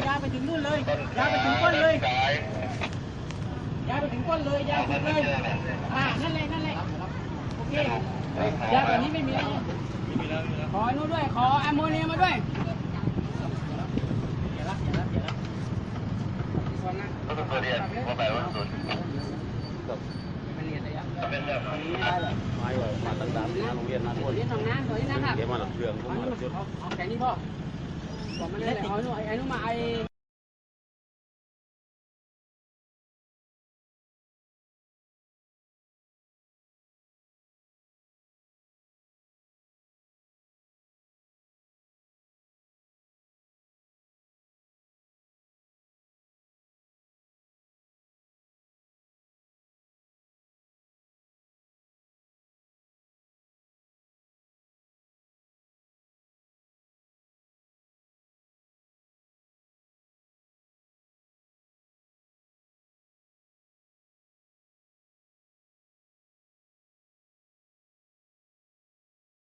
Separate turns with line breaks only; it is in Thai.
าวไปถึงนู่นเลยยาวไปถึงก้นเลยยาวไปถึงก้นเลยยาวสุดเลยนั่นเลยโอเคยาวแบบนี้ไม่มีแล้วขอนู้นด้วยขอแอมโมเนียมาด้วย
ก็ต้องเรียนว่าแบบว่าสุดเป็นแบบนี้ได้เลยไม่ว่ามาตั้งแต่โรงเรียนนะทุกคน
เรียนสองน้ำตัวนี้นะครับ
เดี๋ยวมาหลังเชื่อง
เอาแค่นี้พ่อบอกมันเลยเอาไอ้นู่นมาไอ้